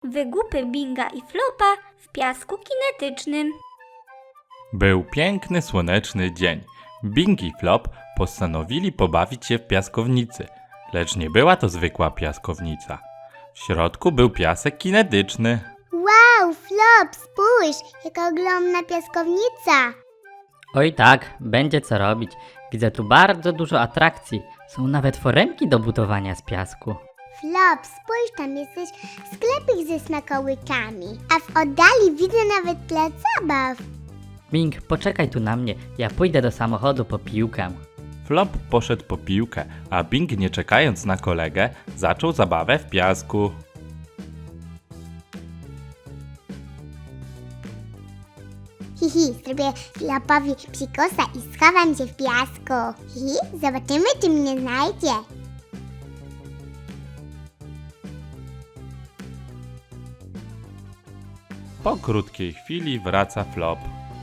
Wygłupy Binga i Flopa w piasku kinetycznym. Był piękny, słoneczny dzień. Bing i Flop postanowili pobawić się w piaskownicy, lecz nie była to zwykła piaskownica. W środku był piasek kinetyczny. Wow, Flop, spójrz, jaka ogromna piaskownica. Oj tak, będzie co robić. Widzę tu bardzo dużo atrakcji. Są nawet foremki do budowania z piasku. Flop, spójrz, tam jesteś sklepik ze smakołykami, a w oddali widzę nawet plac zabaw. Bing, poczekaj tu na mnie. Ja pójdę do samochodu po piłkę. Flop poszedł po piłkę, a Bing, nie czekając na kolegę, zaczął zabawę w piasku. Hihi, zrobię Flopowi psikosa i schowam się w piasku. Hihi, zobaczymy, czy mnie znajdzie. Po krótkiej chwili wraca Flop.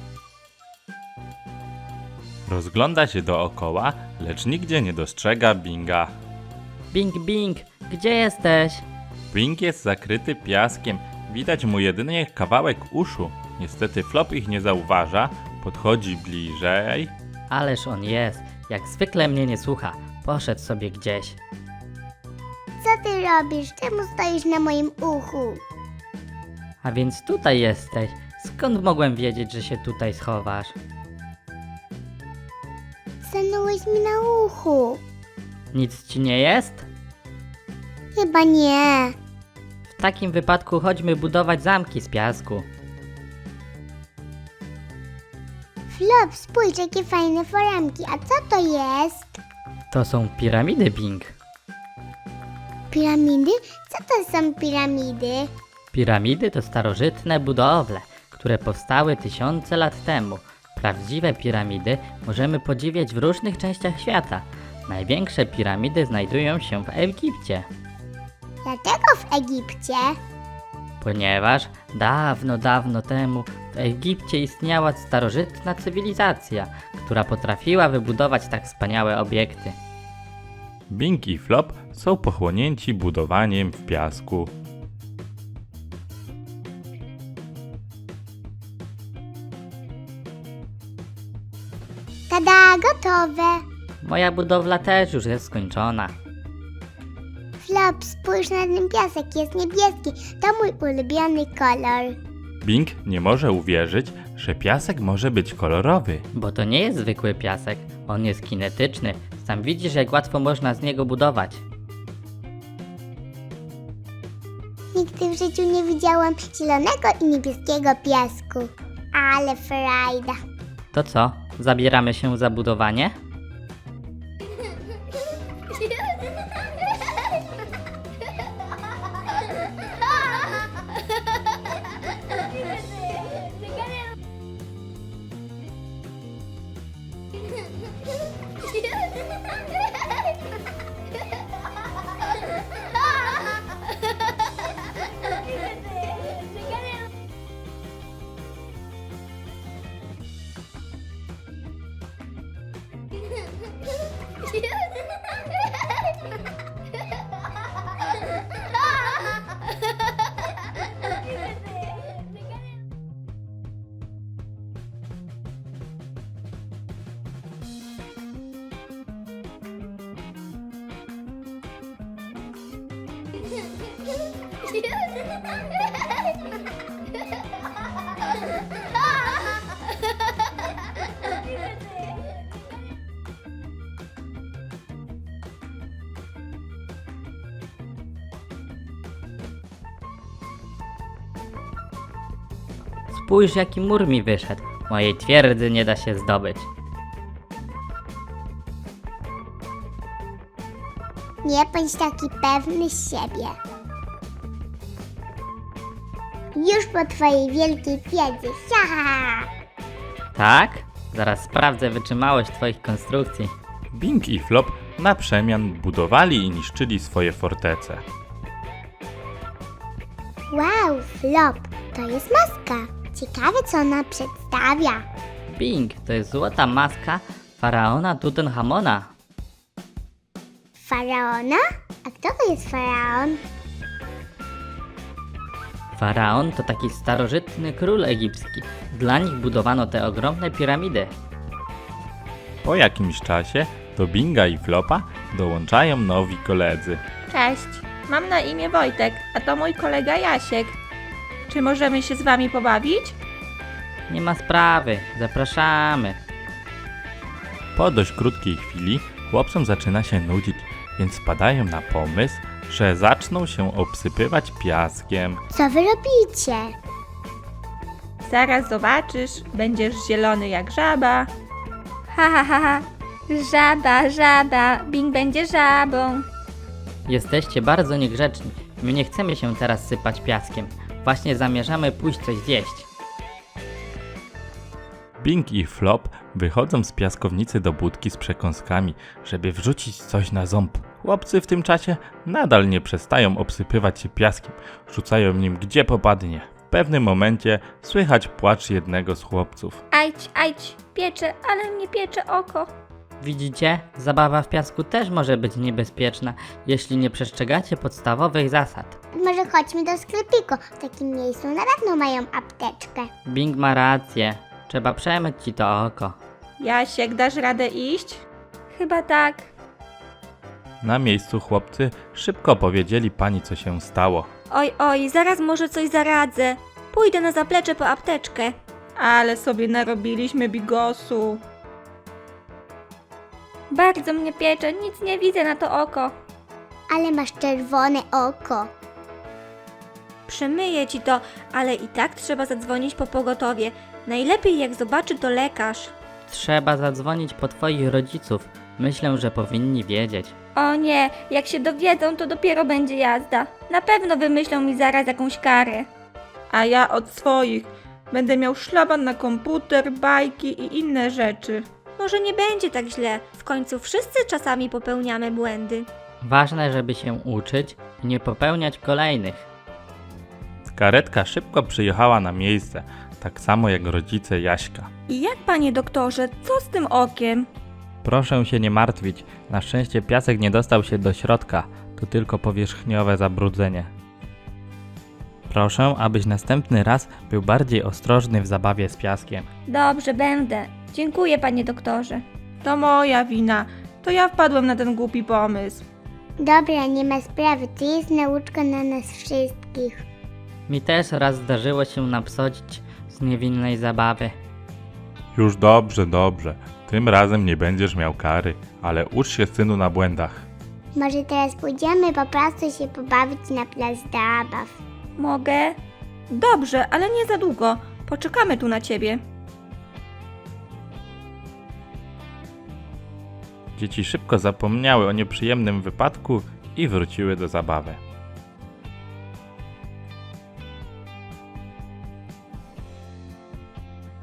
Rozgląda się dookoła, lecz nigdzie nie dostrzega Binga. Bing, Bing, gdzie jesteś? Bing jest zakryty piaskiem, widać mu jedynie kawałek uszu. Niestety Flop ich nie zauważa, podchodzi bliżej. Ależ on jest. Jak zwykle mnie nie słucha. Poszedł sobie gdzieś. Co ty robisz? Czemu stoisz na moim uchu? A więc tutaj jesteś. Skąd mogłem wiedzieć, że się tutaj schowasz? Stanąłeś mi na uchu. Nic ci nie jest? Chyba nie. W takim wypadku chodźmy budować zamki z piasku. Flop, spójrz, jakie fajne foremki. A co to jest? To są piramidy, Bing. Piramidy? Co to są piramidy? Piramidy to starożytne budowle, które powstały tysiące lat temu. Prawdziwe piramidy możemy podziwiać w różnych częściach świata. Największe piramidy znajdują się w Egipcie, Dlaczego w Egipcie? ponieważ dawno, dawno temu w Egipcie istniała starożytna cywilizacja, która potrafiła wybudować tak wspaniałe obiekty. Bing i Flop są pochłonięci budowaniem w piasku. Tada, gotowe. Moja budowla też już jest skończona. Flop, spójrz na ten piasek, jest niebieski. To mój ulubiony kolor. Bing nie może uwierzyć, że piasek może być kolorowy. Bo to nie jest zwykły piasek, on jest kinetyczny. Sam widzisz, jak łatwo można z niego budować. Nigdy w życiu nie widziałam zielonego i niebieskiego piasku. Ale frajda. To co, zabieramy się za budowanie? Spójrz, jaki mur mi wyszedł. Mojej twierdzy nie da się zdobyć. Nie bądź taki pewny siebie. Już po twojej wielkiej wiedzy. Ha! Tak? Zaraz sprawdzę wytrzymałość twoich konstrukcji. Bing i Flop na przemian budowali i niszczyli swoje fortece. Wow, Flop, to jest maska. Ciekawe, co ona przedstawia. Bing, to jest złota maska faraona Tutenchamona. Faraona? A kto to jest faraon? Faraon to taki starożytny król egipski. Dla nich budowano te ogromne piramidy. Po jakimś czasie do Binga i Flopa dołączają nowi koledzy. Cześć, mam na imię Wojtek, a to mój kolega Jasiek. Czy możemy się z wami pobawić? Nie ma sprawy, zapraszamy. Po dość krótkiej chwili chłopcom zaczyna się nudzić, więc wpadają na pomysł, że zaczną się obsypywać piaskiem. Co wy robicie? Zaraz zobaczysz, będziesz zielony jak żaba. Ha, ha, ha, ha. Żaba, żaba, Bing będzie żabą. Jesteście bardzo niegrzeczni. My nie chcemy się teraz sypać piaskiem. Właśnie zamierzamy pójść coś zjeść. Bing i Flop wychodzą z piaskownicy do budki z przekąskami, żeby wrzucić coś na ząb. Chłopcy w tym czasie nadal nie przestają obsypywać się piaskiem, rzucają nim gdzie popadnie. W pewnym momencie słychać płacz jednego z chłopców. Ajdź, piecze, ale mnie piecze oko. Widzicie? Zabawa w piasku też może być niebezpieczna, jeśli nie przestrzegacie podstawowych zasad. Może chodźmy do sklepiku. W takim miejscu na pewno mają apteczkę. Bing ma rację. Trzeba przemyć ci to oko. Jasiek, dasz radę iść? Chyba tak. Na miejscu chłopcy szybko powiedzieli pani, co się stało. Oj, zaraz może coś zaradzę. Pójdę na zaplecze po apteczkę. Ale sobie narobiliśmy bigosu. Bardzo mnie piecze, nic nie widzę na to oko. Ale masz czerwone oko. Przemyję ci to, ale i tak trzeba zadzwonić po pogotowie. Najlepiej jak zobaczy to lekarz. Trzeba zadzwonić po twoich rodziców. Myślę, że powinni wiedzieć. O nie, jak się dowiedzą, to dopiero będzie jazda. Na pewno wymyślą mi zaraz jakąś karę. A ja od swoich. Będę miał szlaban na komputer, bajki i inne rzeczy. Może nie będzie tak źle. W końcu wszyscy czasami popełniamy błędy. Ważne, żeby się uczyć i nie popełniać kolejnych. Karetka szybko przyjechała na miejsce, tak samo jak rodzice Jaśka. I jak, panie doktorze, co z tym okiem? Proszę się nie martwić. Na szczęście piasek nie dostał się do środka. To tylko powierzchniowe zabrudzenie. Proszę, abyś następny raz był bardziej ostrożny w zabawie z piaskiem. Dobrze, będę. Dziękuję, panie doktorze. To moja wina. To ja wpadłem na ten głupi pomysł. Dobra, nie ma sprawy. To jest nauczka na nas wszystkich. Mi też raz zdarzyło się napsodzić z niewinnej zabawy. Już dobrze. Tym razem nie będziesz miał kary, ale ucz się, synu, na błędach. Może teraz pójdziemy po prostu się pobawić na plac zabaw. Mogę? Dobrze, ale nie za długo. Poczekamy tu na ciebie. Dzieci szybko zapomniały o nieprzyjemnym wypadku i wróciły do zabawy.